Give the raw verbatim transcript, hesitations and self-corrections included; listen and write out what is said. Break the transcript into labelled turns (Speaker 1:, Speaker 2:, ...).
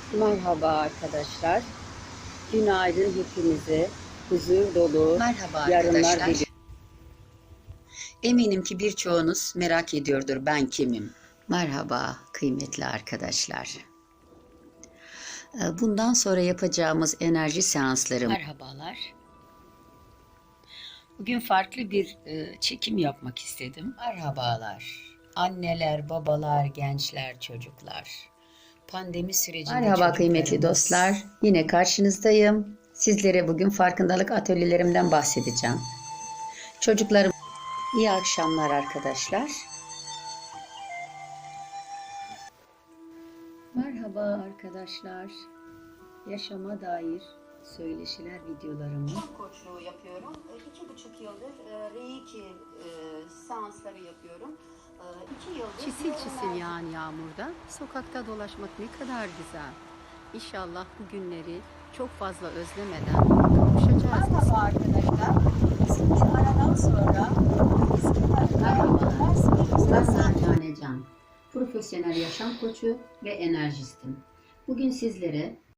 Speaker 1: Merhaba arkadaşlar. Günaydın hepinize. Huzur dolu
Speaker 2: Merhaba
Speaker 1: yarınlar
Speaker 2: arkadaşlar.
Speaker 1: diliyorum.
Speaker 2: Eminim ki birçoğunuz merak ediyordur ben kimim? Merhaba kıymetli arkadaşlar. Ee, Bundan sonra yapacağımız enerji seansları. Merhabalar. Bugün farklı bir e, çekim yapmak istedim. Merhabalar. Anneler, babalar, gençler, çocuklar. Pandemi sürecinde
Speaker 3: Merhaba kıymetli
Speaker 2: çocuklarımız-
Speaker 3: dostlar. Yine karşınızdayım. Sizlere bugün farkındalık atölyelerimden bahsedeceğim. Çocuklarım, iyi akşamlar arkadaşlar. Merhaba arkadaşlar. Yaşama dair söyleşiler videolarımı
Speaker 1: Koçluğu yapıyorum. E, İki buçuk yıldır e, Reiki e, seansları yapıyorum. E, İki yıldır
Speaker 4: Çisil çisil yağan yağmurda sokakta dolaşmak ne kadar güzel. İnşallah bu günleri çok fazla özlemeden kavuşacağız.
Speaker 1: Merhaba arkadaşlar. Bizim bir aradan sonra
Speaker 3: Ben Sahane Can, profesyonel yaşam koçu ve enerjistim. Bugün sizlere